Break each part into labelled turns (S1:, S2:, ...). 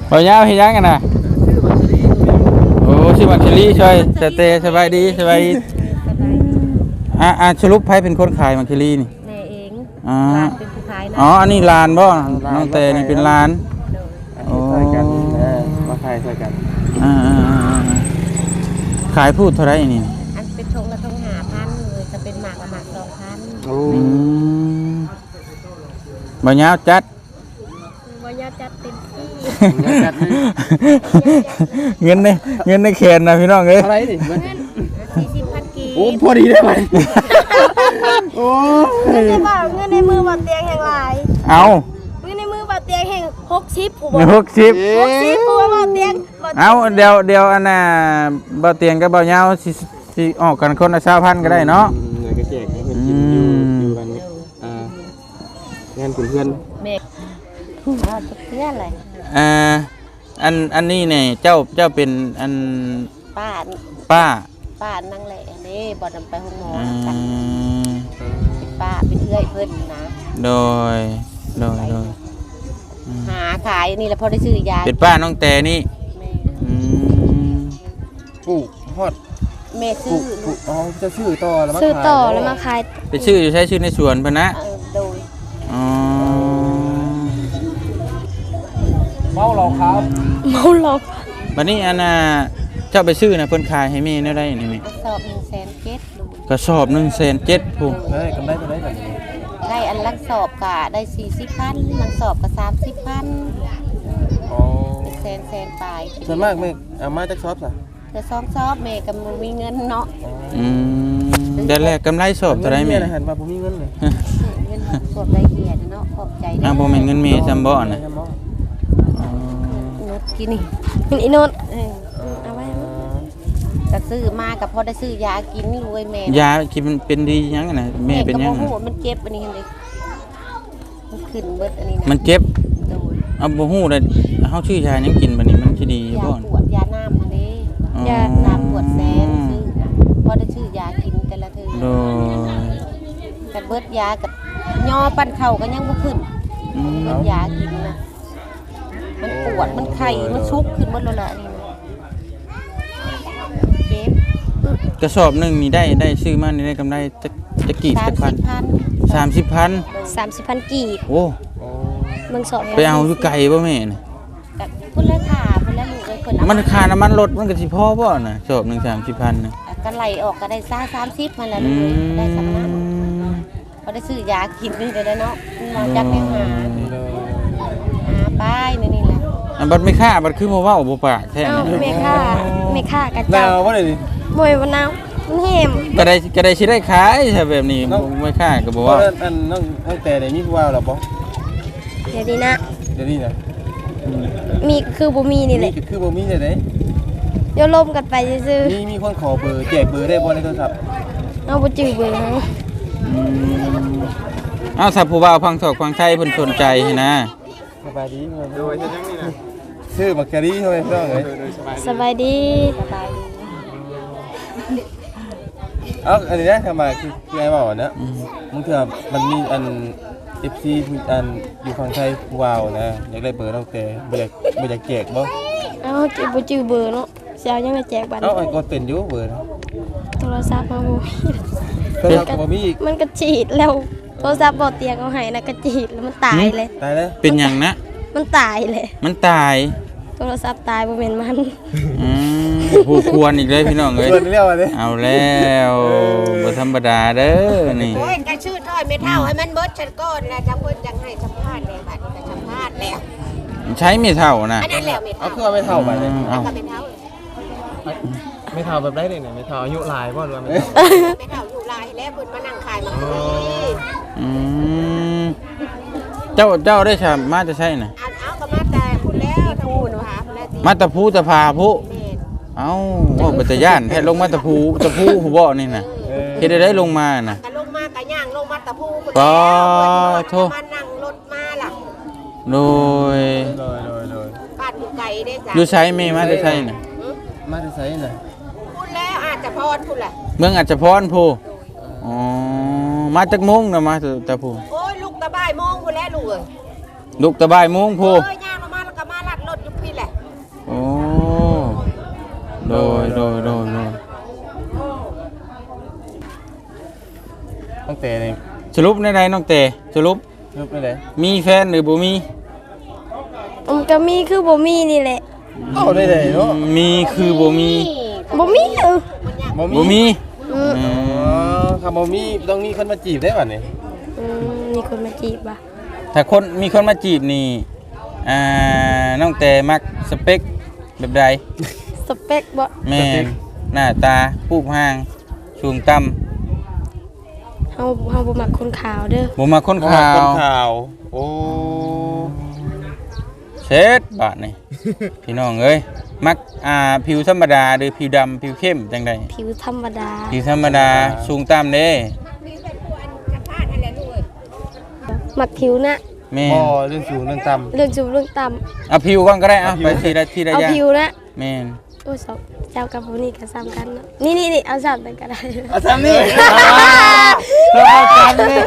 S1: บ่ยาวเฮ็ดหยังกันน่ะโอ้ชื่อมักชลีช่วยสเตย์สบายดีสบายดีสรุปไผเป็นคนขายมักชลีนี่
S2: แม่เอง
S1: อ๋อ
S2: หลานเป็นผู้ขายนะ
S1: อ๋ออันนี้ลานบ่น้องแต่นี่เป็นลานโอ้
S3: ช่วยกันมาขายช่วยกัน
S1: ขายพูดเท่าไหร่นี่
S2: อันเป็นชงละทง5,000เลยจะเป็นหมากละหมาก2,000
S3: โอ้
S1: บ่ยาวจัด
S2: บ่ยาจัดเต็มที่
S1: เงินในแขนนะพี่น้องเอ้ย
S3: อะไรนี่มัน
S2: 40,000 กีบ
S3: โอ้พอดีได้ไหมโอ้
S4: เงินในบ่าเงินในมือบ่าเตียงแห่งหลาย
S1: เอา
S4: เงินในมือบ่าเตียงแห่ง60ผู้บ่
S1: 60
S4: 60ผู้บ่าเตียงบ่
S1: เอาเดี๋ยวอันน่ะบ่เตียงกับบ่ยาวสิออกกันคนละ20,000ก็ได้เนาะ
S3: เงินก็แจกให้เพื่อนกินอยู่กันงานเพื่อน
S2: แม่จะเพื่อนอะไร
S1: อันนี้เนี่ยเจ้าเป็นอัน
S2: ป้า
S1: ป้า
S2: นั่งแหละนี่บ่นำไปห้องหมอ
S1: อื
S2: กัน
S1: ม
S2: เป็นป้าเป็นเอื้อยเพิ่นนะ
S1: โดย
S2: หาขายนี่แล้วพอได้ซื้อยา
S1: เป็นป้าน้องแต่นี่
S2: แม่
S1: อืม
S3: ปลูกฮอด
S2: แม่
S3: ปลู
S2: ซื้อก
S3: ปลูกอ๋อจะชื่อต่อแล้วมา
S4: ซื้อ
S3: ขาย
S4: ต่อแล้วมาขาย
S1: ไปชื่ออยู่ใช้ชื่อในสวนเพิ่นนะ
S2: โดย
S1: อ๋อ
S3: เมาเราครับ
S4: เมาหลอก
S1: บัดนี้อันน่ะเจ้าไปซื้อน่ะเพิ่นขายให้แม่ได้ได้นี่แม่
S2: กระสอบ1,700ลูก
S1: กระสอบ1,700ผู้
S3: เฮ้ยกำไรตัวไหนแบบนี้
S2: ได้อันลังสอบกะได้40,000ลังสอบก็30,000
S3: อ๋อ
S2: เป็นแสนปลาย
S3: ส่วนมากไม่เอามาจากช็อปสะ
S2: เธอซ้อมซอบแม่ก็บ่มีเงินเนาะ
S1: อืมเดือนแรกกำไรสอบเท่าไหร่แม่
S3: นะหันมาผมมีเงินเลย
S2: เงินสวดได้เหียเนาะขอบใจ
S1: บ่แม่นเงินแม่จำบ่น่ะอ๋อ
S2: เงินกินนี่
S4: เป็นอีโนน
S2: เอาไว้ก็ซื้อมากับพอได้ซื้อยากินรวยแม่
S1: ยาคิดมันเป็นดีหยังอะน่ะแม่เป็นหยัง
S2: ก็บ่
S1: อะ
S2: ฮู้มันเจ็บอันนี้เห็นดิมันขึ้นเบิดอันนี้นะ
S1: มันเจ็บ
S2: โดย
S1: เอาบ่ฮู้เลยเฮาชื่อยาหยังกินบัดนี้มันสิดีอยู่
S2: ยา
S1: บ่
S2: ปวดยาน้ำอันนี้
S1: อ๋อ
S2: ยาน้ำปวดแสนซื้อพอได้ซื้อยากินแต่ละเทื่อ
S1: โดย
S2: กับเบิดยากับย่อปั้นเข่าก็ยังบ่ขึ้น
S1: อืม
S2: เบิดยากินนะมันปวดมันไข้มันชุกขึ้นหมดแล้วล่ะนี่นะเจ็บ
S1: กระสอบหนึงนี่ได้ซื้อมานี่ได้กำไรจะกี่จักพัน 30,000
S4: 30,000 กีบ
S1: โอ้
S4: เบิ่งสอบ
S1: ไปเอาอยู่ไกลบ่แม่น่ะ
S2: กับพุ่นละขาพุ่นละลูกเลยเพิ่นเอา
S1: มันค่าน้ำมันรถมันก็สิพอบ่น่ะสอบหนึง30,000น่ะ
S2: ก็ไหลออกก็ได้ซ่า30มันละลูกเลยได้สำนักพอได้ซื้อยากินนี่เด้อเนาะมาจักแม่หาป้ายนี่แหละ
S1: อันบัดไม่ค่าบัดคือบ่เว้าบ่ปากแท้
S4: เอ้า
S1: นะ
S4: แม่ค่ากระ
S3: หนา
S4: เจ้าว
S3: ว่าเลยดิ
S4: บ่อยบ่หนาวมันแหม
S1: ก็ได้สิได้ขายถ้าแบบนี้บ่ไม่ค่าก็บ่
S3: เพราะ
S1: เว้า
S3: อันน้องแต่เนี่ยมีผู้ว่าหรอปะ
S4: เดี๋ยวนี้นะ
S3: เดี๋ยวนี้นะ
S4: มีคือบ่มีนี่แห
S3: นี่
S4: ละ
S3: คือบ่มีเลยเด้
S4: เดี๋ยวลมกันไปซื่อ
S3: มีคนขอเบอร์แจกเบอร์ได้บ่ในโทรศัพท์
S4: ๆเอาบ่จื้อเบิ่งเฮา
S1: เอาถ้าผู้บ่าวฟังศอกฟังไทยเพิ่นสนใจนะ
S3: สบายดีโดยจะจังนี่นะชื่อมักกะรีเท่าไหร่ต้องเลย
S4: สบายดี
S2: สบายดี
S3: เอ้าอันนี้นะทำมาคือไอ้บอกนะมึงเถอะมันมีอัน FC อันอยู่ฝั่งไทยผู้ว่าวนะอยากได้เบอร์น้องแต่บ่อยากแจกบ่
S4: เอาจื้อบ่จื้อเบอร์เนาะสิเอายังไงแจกบัตร
S3: เอ้าไอ้ก็เป็นอยู่เบอร์
S4: โทรศัพท์มาบ่มี
S3: โทรศัพท์ก็บ่มีอีก
S4: มันก็ฉีดแล้วโทรศัพท์บ่เตียงเอาให้นะก็ฉีดแล้วมันตายเลย
S3: ตายแล้ว
S1: เป็นหยังนะ
S4: มันตายเลย
S1: มันตาย
S4: โทรศัพท์ตายบ่แม่นมัน
S1: อืมผู้ควรอีกเลยพี่น้องเอ้ย
S3: เบอร์เรียกว่าดิ
S1: เอาแล้วบ่ธรรมดาเด้อนี่
S2: โอ้ยกระชื่อถ้อยไม่เท่าให้มันเบิดฉันก่อนแล้วจะเพิ่นจังให้สัมภาษณ์แล้วบัดนี้ก็สัมภาษณ์แล้ว
S1: ใช้ไม่เท่านะ
S2: อันนั้นแล้วไม่
S3: เอา
S2: เท่า
S3: เครื่องไม่เท่าไปเลย
S1: เอา
S2: ก็ไม่เท่า
S5: ไม่เท่าแบบได้เลยเนี่ยไม่เท่าอายุหลายบ่หรือว่าไม่
S2: ไม่เท่าอยู่ลายแล้วเพิ่นมานั่งขายมาคุย
S1: อืมเจ้าได้ชามาจะใช่น่ะ
S2: เอาก็มาแต่พูดแล้วทั้งพูดนะฮะแล้วสิ
S1: มาตะพูตะพาผู้
S2: แม่น
S1: เอ้าว่าปัจจย่านแท้ลงมาตะพูผู้บ่นี่น่ะเฮ็ดได้ลงมาน่ะ
S2: ก็ลงมากะย่างลงมาตะพูพุ่น
S1: ปอ
S2: แล้ว
S1: โท
S2: มานั่งรถมาล่ะ
S1: โดย
S3: โดย
S2: บ้านอยู่ไกลเด้จ้ะ
S1: อยู่ใช้แม่มาจะใช่น่ะ
S3: มาที่ไสน่ะ
S2: พูดแล้วอาจจะพอดพูดแหละ
S1: เมืองอาจจะพรผู้อ๋อมาจากมุงน่ะมาตะพู
S2: โอ้ยลูกตะบ่ายโมงพูดแล้วลูกเอ้ย
S1: ลูกตะบ่ายมุงผู้
S2: ย่างลงมาแล้วก็มาลัดรถอยู่พี่แหละ
S1: โดย
S3: ตั้งแต่นี่
S1: สรุปในใดน้องเตสรุป
S3: รูปได้เลย
S1: มีแฟนหรือบ่มี
S4: ก็มีคือบ่มีนี่แหละ
S3: เอาได้เลยเนาะ
S1: มีคือบ่มี
S4: บ่มี
S1: บ่มี
S4: อืม
S3: อ๋อคำบ่มีต้องมีคนมาจีบได้ป่ะนี่
S4: มีคนมาจีบอ่ะ
S1: ถ้าคนมีคนมาจีบนี่น้องเตมักสเปคแบบใด
S4: สเปคบ่
S1: แม่นหน้าตารูปร่างสูงต่ำ
S4: เฮาบ่มักคนขาวเด้อ
S1: บ่มาคนขาว
S3: คนข่าว โอ้
S1: เช็ดบาดนี่ พี่น้องเอ้ยมักผิวธรรมดาหรือผิวดำผิวเข้มจังใด
S4: ผิวธรรมดา
S1: ผิวธรรมดาสูงต่ำเด้
S4: มักผิวนะ
S1: แม่
S3: บ่
S1: น
S3: เรื่องสูงเรื่องต่ำ
S4: เรื่องสูงเรื่องต่ำ
S1: เอาผิวก่อนก็ได้เอาไปทีละ
S4: เอา
S1: อย่าง
S4: ผิวนะ
S1: แม่น
S4: โอ้ยสองเจ้ากับผู้นี้ก็ซ้ำกันเนาะนี่เอาซ้ำกันก็ได้
S3: อาจารย์นี่
S1: เอาจันเลย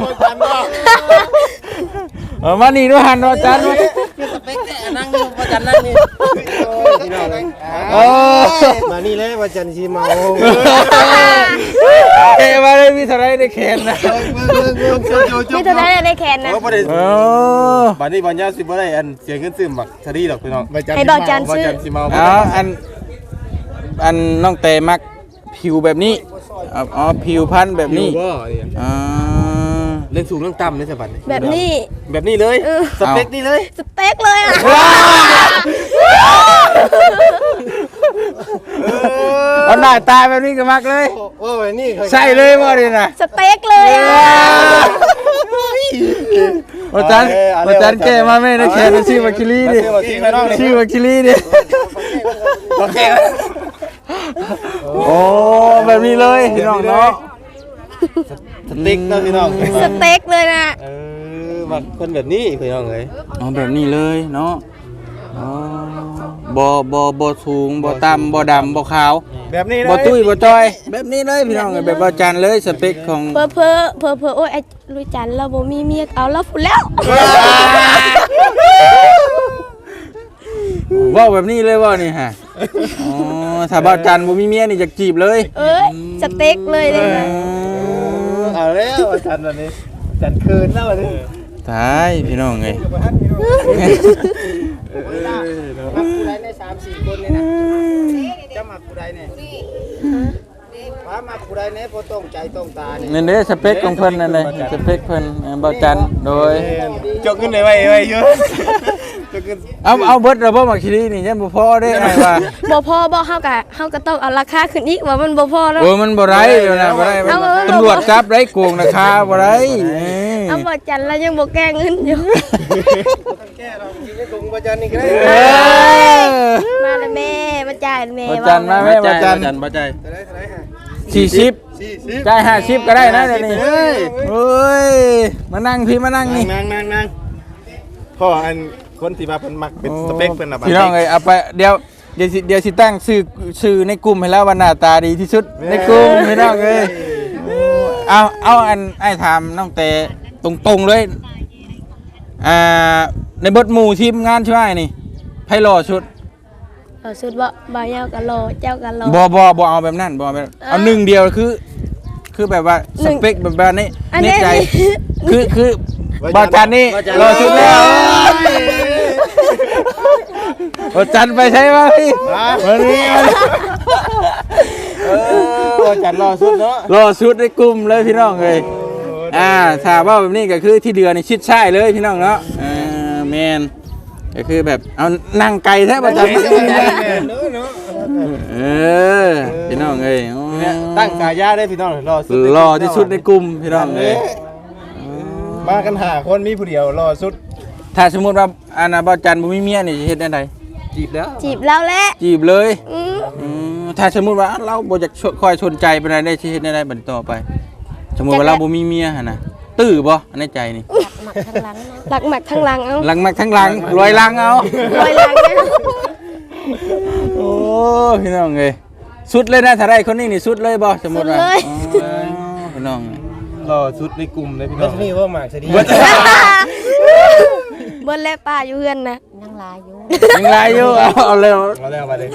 S1: มานี่ด้วยหันอาจารย์ด้วย
S5: นั่งอยู่ประจันนั่งนี่
S3: มานี่เลยว่าจันทร์สิเมา
S1: เอ้มาเลยมีเท่าไรได้แขนนะ
S4: นี่เท่านั้นได้แขนนะ
S3: โอ้บ่ได้
S1: โอ้
S3: บัดนี้บ่ยาวสิบ่ได้อันเสียเงินซื้อหมักทะลีดอกพี่น้อง
S4: ให้บอกจัน
S3: ว่า
S4: ซื้อ
S3: จันทร์สิเมา
S1: เอาอันน้องเตมักผิวแบบนี้อ๋อผิวพันธุ์แบบนี้
S3: บ่เนี่ย
S1: อ่า
S3: เรื่องสูงเรื่องต่ำนี่สิบัดนี้
S4: แบบนี้
S3: แบบนี้เลยสเปคนี่เลย
S4: สเต็กเลยอ่ะ
S1: เอาหน้าตาแบบนี้ก็มักเลย
S3: โอ้ยนี่
S1: ใช่เลยว่าดินะ
S4: สเต็กเลยอ่ะ
S1: อาจารย์แกมาแม่นะแขนชื่อวัคิลีดิ ชื่อวัคิลีดิ
S3: โอเค
S1: โอ้แบบนี้เลยพี่น้องเนาะ
S3: สติ๊กเนาะพี่น้อง
S4: สเต็กเลยนะ
S3: บักคนแบบนี้พี่น้องเอ้ย
S1: อ๋อแบบนี้เลยเนาะอ๋อบ่สูงบ่ต่ำบ่ดำบ่ขาว
S3: แบบนี้
S1: บ่ตุ้ยบ่จอย แบบนี้เลยพี่น้องแบบว่าจันเลยสเปคของ
S4: เพอโอ้ยไอ้ลุยจันเราบ่มีเมียเอาแล้วฝุ่นแล้ว
S1: ว่าแบบนี้เลยว่านี่ฮะอ๋อถ้าบ่จันบ่มีเมียนี่จะจีบเลย
S4: เอ้ยสเต็กเลยเลยนะ
S3: เอาแล้วจันวันนี้จันคืนแล้ววันนี้
S1: ตายพี่น้องเอ้ย
S5: มักผู้ใดใน3-4คนนี่นะจะมักผู้ใดเนี่ยว่ามักผู้ใดเนี่ยบ่ต้องใจต้องตาเนี่ย
S1: นั่นเด้สเปคของเพิ่นนั่นเลยสเปคเพิ่นบ่จันโดย
S3: จกขึ้นไว้เยอะจกขึ้น
S1: เอาเบิดระบบมาคิรีนี่ยังบ่พอได้ไงว่า
S4: บ่พอบ่เฮาก็ต้องเอาราคาขึ้นอีกว่ามันบ่พอเนาะ
S1: โอ้ยมันบ่ไรนะบ่ไร
S4: เอาเอา
S1: ตำรวจจับได้โกงราคาบ่ไร
S4: เอาบ่จันแล้วยังบ่แก้เงินอยู่
S5: แก้เราจริงๆคงบ่จันนี่ก็ได้
S1: เออ
S4: มาแล้วแม่มาจ่ายแม่
S1: บ่จันมาแม่บ่จัน
S3: บ่ใจ
S1: 40จ่าย50ก็ได้นะเดี๋ยวนี้โอ้ยมานั่งพี่มานั่งนี่
S3: นั่งพ่ออันคนที่มาเพิ่นมักเป็นสเปคเพิ่นน่ะ
S1: พี่น้องเอ้ยเอาไปเดี๋ยวสิตั้งชื่อในกลุ่มให้แล้วว่าหน้าตาดีที่สุดในกลุ่มพี่น้องเอ้ยเอาอันไอ้ถามน้องเตตรงๆเลยในบทหมู่ทีมงานใช่ไหมนี่ไผหล่อชุด
S4: สุดบ่ยาวก็รอเจ้าก็รอ
S1: บ่เอาแบบนั้นบ่เอาแบบเอาหนึ่งเดียวคือแบบว่าสเปคแบบนี้
S4: อัน
S1: ใน
S4: นี้
S1: ใจคือบ่จันนี่หล่อชุดแล้วบ่จันไปใช่ไหมพี่วันนี้
S3: จันรอสุดเนาะ
S1: รอชุดในกลุ่มเลยพี่น้องเลยถ้าว่าแบบนี้ก็คือที่เดือนนี่ชิดใช่เลยพี่น้องเนาะแมนก็คือแบบเอานั่งไกลแท้ประจำพี่น้องเอ้ย
S3: ตั้งกายาได้พี่น้องรอสุด
S1: รอที่สุดในกลุ่มพี่น้องเอ้ย
S3: มากันหาคนมีผู้เดียวรอสุด
S1: ถ้าสมมติว่าอาณาบจันบ่มีเมียนี่จะเฮ็ดได้ได
S3: จีบแล้ว
S4: จีบแล้วแหละ
S1: จีบเลย
S4: อืม
S1: ถ้าสมมติว่าเราบ่อยากคอยชนใจไปได้ได้สิเฮ็ดได้บัดต่อไป สมมติว่าเราบ่มีเมียหั่นน่ะตื้อบ่ในใจนี่
S2: หมักข้างหลังนะ
S4: หลักหมักทั้งหลังเอา
S1: หลังมักทั้งหลังรวยหลังเอา
S4: รอยหลังนะ
S1: โอ้พี่น้องเอ้ยสุดเลยนะถ้าได้คนนี้นี่สุดเลยบ่สมมุติว่าอ๋อพี่น้อง
S3: รอสุดในกลุ่มเลยพี่น้อง
S5: นี่ว่าหมากซะดี
S4: เบิ้ลและป้าอยู่เฮือนนะ
S2: นั่งลายอยู่
S1: ยังไรอยู่เอาเร็ว
S3: เอาแล้วมาเลย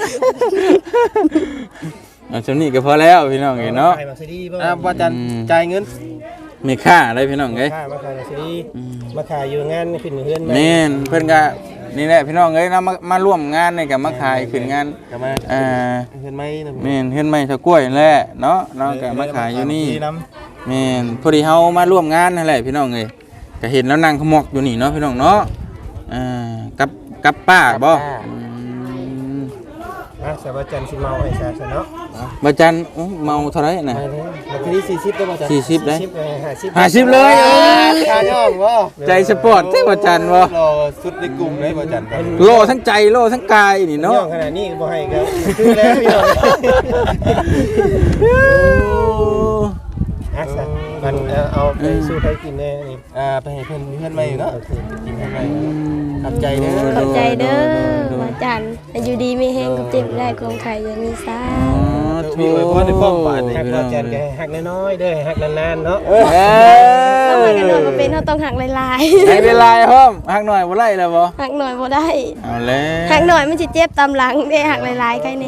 S1: เอาชมนี่ก็พอแล้วพี่น้องเอ้ยเนาะ
S5: ใครมาซีดีบ่
S3: ว่าจันจ่ายเงิน
S1: มีค่าอะไรพี่น้องเอ้ย
S5: มาขายมาซีดีมาขายอยู่งานขึ้นเฮือน
S1: แม่นเพิ่นก็นี่แหละพี่น้องเอ้ยนะมาร่วมงานนี่ก็มาขายขึ้นงาน
S3: กลับมา เห็นไหมนะ
S1: แม่นเฮ็ดไม้ชะกล้วยนั่นแหละเนาะน้องก็มาขายอยู่นี่แม่นพอดีเฮามาร่วมงานนั่นแหละพี่น้องเอ้ยก็เห็นแล้วนั่งขมอกอยู่นี่เนาะพี่น้องเนาะกับป้าบ่
S5: สวัสดีจันสิเมาไอ้ซาซะเนาะ
S1: บ่จันเมาเท่าไหร่น่ะ
S5: มาที่40ได้บ่จ๊ะ
S1: 40ได้
S5: 50
S1: 50เลยเอ้ย
S3: ค่าย่อมวะ
S1: ใจสปอร์ตเท่บ่จันบ่
S3: รอสุดในกลุ่มเลยบ่จัน
S1: โลทั้งใจโลทั้งกายนี่
S5: เนาะ
S1: เนาะ
S5: ขนาดนี้บ่ให้ก็คือแล้วพี่น้องมันเอาไปสู้ใครกินแน่นี่
S3: ไปให้เพื่อนใหม่เนาะกินเพื่อนใหม่ขอบใจเด้อ
S4: ขอบใจเด้อว่าจันให้อยู่ดีไม่แห้งกับเจ็บได้ความไข่อย่ามีซ่า
S1: ถูก
S5: ฮักเราแจนแกฮักน้อยๆเด้อฮักนานๆเนาะ
S4: ทำไมกันนอนก็เป็นเขาต้องหักลาย
S1: ให้เป็นลายพร้อมหักหน่อยบ่ไล่แล้วบ่
S4: ๆหักหน่อยบ่ได้
S1: เอาแล้ว
S4: หักหน่อยมันสิเจ็บตามหลังได้หักลายๆใครนี่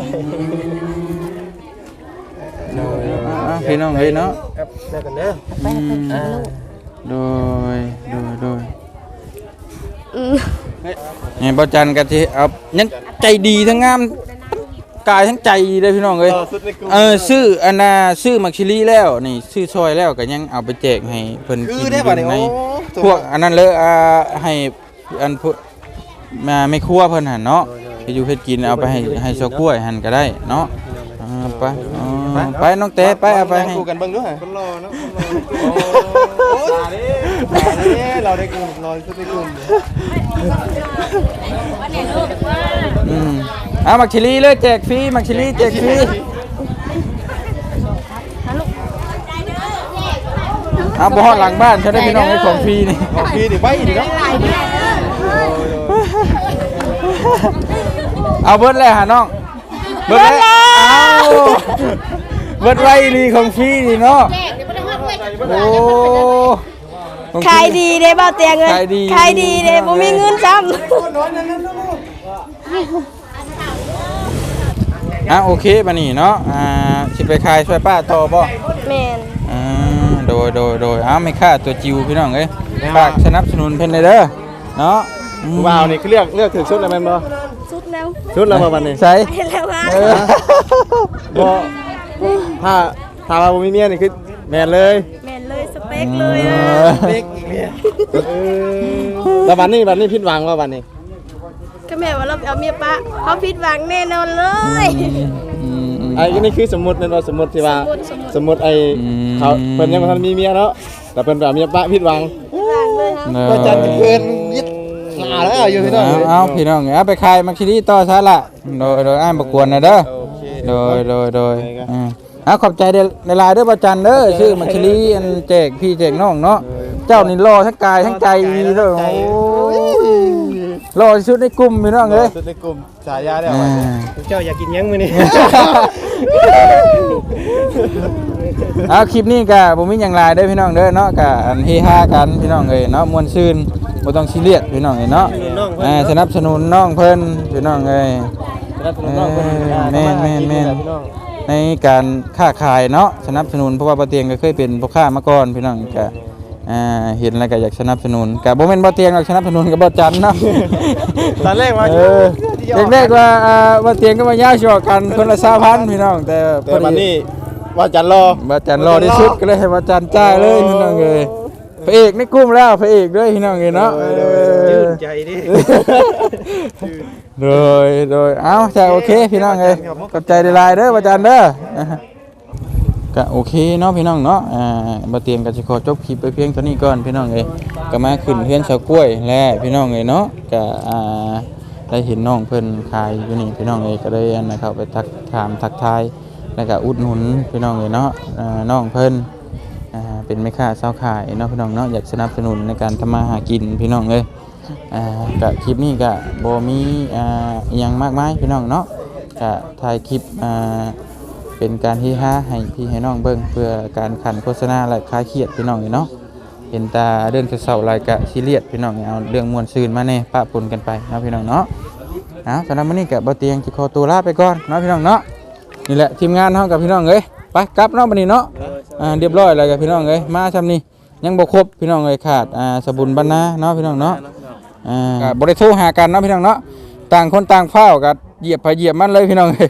S1: พี่น้องเฮ้ยเนาะ
S5: ครับแล้วกันเด้อ
S2: ไปให้เพิ่นกินลูก
S1: โดย
S4: อืม
S1: นี่บ่จันก็สิเอายังใจดีทั้งงามกายทั้งใจดีเลยพี่น้องเอ้ย
S3: สุดในกลุ่ม
S1: ซื้ออันน่ะซื้อมักชิลีแล้วนี่ซื้อซอยแล้วก็ยังเอาไปแจกให้เพิ่น
S3: คื
S1: กิ
S3: อน ได้ป่ะเนี่ย
S1: ใน
S3: โอ้
S1: พวกอันนั้นเลยให้อันพวกมาไม่ครัวเพิ่นหั่นเนาะไปอยู่เฮ็ดกินเอาไปให้ชาวกล้วยหั่นก็ได้เนาะไปน้องเต้ไปเอาไปให้
S3: คู่กันเบิ่งด้วย
S5: คนรอเนาะ
S3: โอ้ตาดิเราได้กลุ่มรอสุดในกลุ่ม
S1: มักชิลีเลยแจกฟรีมักชิลีแจกฟรีบ่ฮอดหลังบ้านฉันได้พี่น้องให้ของฟรีนี่
S3: ของพี่ดิไว้ดิเนาะ
S1: เอาเบิดเลยหาน้องเบิดเลยเอาเบิดไว้ลีของฟรีนี่เนาะโอ้
S4: ขายดีเด้บ่เตียงเงิน
S1: ขายดี
S4: ขายดีเด้บ่มีเงินซ้ำ
S1: โอเคบัดนี้เนาะสิไปขายช่วยป้าต่อบ่
S4: แม่น
S1: โดยไม่ค่าตัวจิวพี่น้องเอ้ยฝากสนับสนุนเพิ่นเด้อเนาะ
S3: ว้าวนี่คือเลือกถึงชุดแล้วแม่นบ่
S4: สุดแล้ว
S3: ชุดแล้วบ่บัดนี้
S1: ใส่
S4: ไปแล้วฮะ
S3: บ่ถ้าว่าบ่มีเมียนี่คือแม่นเลย
S4: แม่นเลยสเปคเลยอ่ะ
S3: แล้วบัดนี้ผิดหวังว่าบัดนี้
S4: ก็แม่ว่าเราเอาเมียปะเขาผิดหวังแน่นอนเลย
S3: ไอ้นี่คือสมมุตินั่นว่าสมมุติที่ว่า
S4: สมมุติ
S3: ไอ้เขาเพิ่นยังบ่ทันมีเมียเนาะแต่เพิ่นแบบเมียปะผิดหวัง
S4: ผิดหวังเลยครับ
S3: ก็จัดเพิ่นยึดหาแล้วอยู่พี่น้อง
S1: เอาพี่น้องเอาไปขายมักชิลีต่อซะละโดยอ้ายบ่กวนนะเด้อ
S3: โอเค
S1: โดยขอบใจในลายเด้อบ่จันเด้อชื่อมักชิลีอันแจกพี่แจกน้องเนาะเจ้านี่รอทั้งกายทั้งใจดีเด้อโอ้รอที่สุดในกลุ่มพี่น้องเอ้ย
S3: สุดในกลุ่มฉายาได้
S5: เจ้าอยากกินยังมื้อนี้
S1: เอาคลิปนี้ก็บ่มีหยังหลายเด้อพี่น้องเด้อเนาะก็อันเฮฮากันพี่น้องเอ้ยเนาะม่วนซื่นบ่ต้องซีเรียสพี่น้องเอ้ยเนาะสนับสนุนน้องเพิ่นพี่น้องเอ้ย แม่นในการค้าขายเนาะสนับสนุนเพราะว่าบ่เตียงก็เคยเป็นพ่อค้ามาก่อนพี่น้องก็เห็นแล้วก็อยากสนับสนุนก็บ่แม่นบ่เตียงหรอกสนับสนุนก็บ่จันเนาะ
S3: ตอนแรกว่า
S1: แรกๆว่าบ่เตียงก็มาย่าชอกันคนละ2,000พี่น้องแต่พอ
S3: วัน
S1: ดี
S3: นี้ว่าจันรอ
S1: บ่จันรอที่สุดก็เลยให้บ่จันจ่ายเลยพี่น้องเอ้ยพระเอกในกลุ่มแล้วพระเอกด้วยพี่น้องเอ้ยเนาะ
S5: ยืนใจดิ
S1: โดยเอ้าจ้ะโอเคพี่น้องเอ้ยขอบใจหลายๆเด้อบ่จันเด้อก็โอเคเนาะพี่น้องเนาะบ่เตรียมก็สิขอจบคลิปไปเพียงเท่านี้ก่อนพี่น้องเอ้ยก็มาขึ้นเฮือนชาวกล้วยแลพี่น้องเอ้ยเนาะก็ได้เห็นน้องเพิ่นขายอยู่นี่พี่น้องเอ้ยก็เลยเข้าไปทักทายแล้วก็อุดหนุนพี่น้องเอ้ยเนาะน้องเพิ่นเป็นแม่ค้าชาวขายเนาะพี่น้องเนาะอยากสนับสนุนในการทำมาหากินพี่น้องเอ้ยก็คลิปนี้ก็บ่มีอิหยังมากมายพี่น้องเนาะก็ถ่ายคลิปเป็นการที่ให้พี่ให้น้องเบิ่งเพื่อการขันโฆษณาและคลายเครียดพี่น้องเนาะเห็นตาเดินเศร้าๆหลายกะซีเรียสพี่น้องเอาเรื่องม่วนซื่นมาแน่ปะปนกันไปเนาะพี่น้องเนาะเอาสำหรับมื้อนี้ก็บ่เตียงสิขอตัวลาไปก่อนเนาะพี่น้องเนาะนี่แหละทีมงานเฮากับพี่น้องเอ้ยไปกลับเนาะบัดนี้เนาะเรียบร้อยแล้วกับพี่น้องเอ้ยมาซำนี้ยังบ่ครบพี่น้องเอ้ยขาดสบุญบรรณาเนาะพี่น้องเนาะก็บ่ได้โทรหากันเนาะพี่น้องเนาะต่างคนต่างเฝ้าก็เหยียบไปเหยียบมันเลยพี่น้องเอ้ย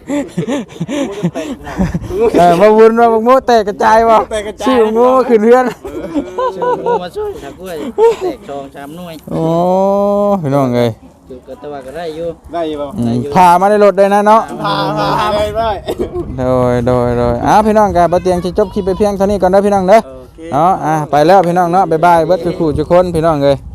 S1: มาวุ่นว่าบักโมแตกกระจายบ่ชื่อโมขึ้นเรือน
S5: ชื่องูมาช่วยถ้ากล้วยแตก2-3หน่วย
S1: โอ้พี่น้องเอ้ย
S5: อยู่กับตะวันก็ได้อยู่
S3: ได้บ่
S1: พามาในรถได้นะเนาะ
S3: พาได้ได้
S1: โดยพี่น้องกันบ่เตียงสิจบคลิปไปเพียงเท่านี้ก่อนเด้อพี่น้องเด้อ
S5: โอเค
S1: เนาะไปแล้วพี่น้องเนาะบ๊ายบายเบิดทุกคู่ทุกคนพี่น้องเอ้ย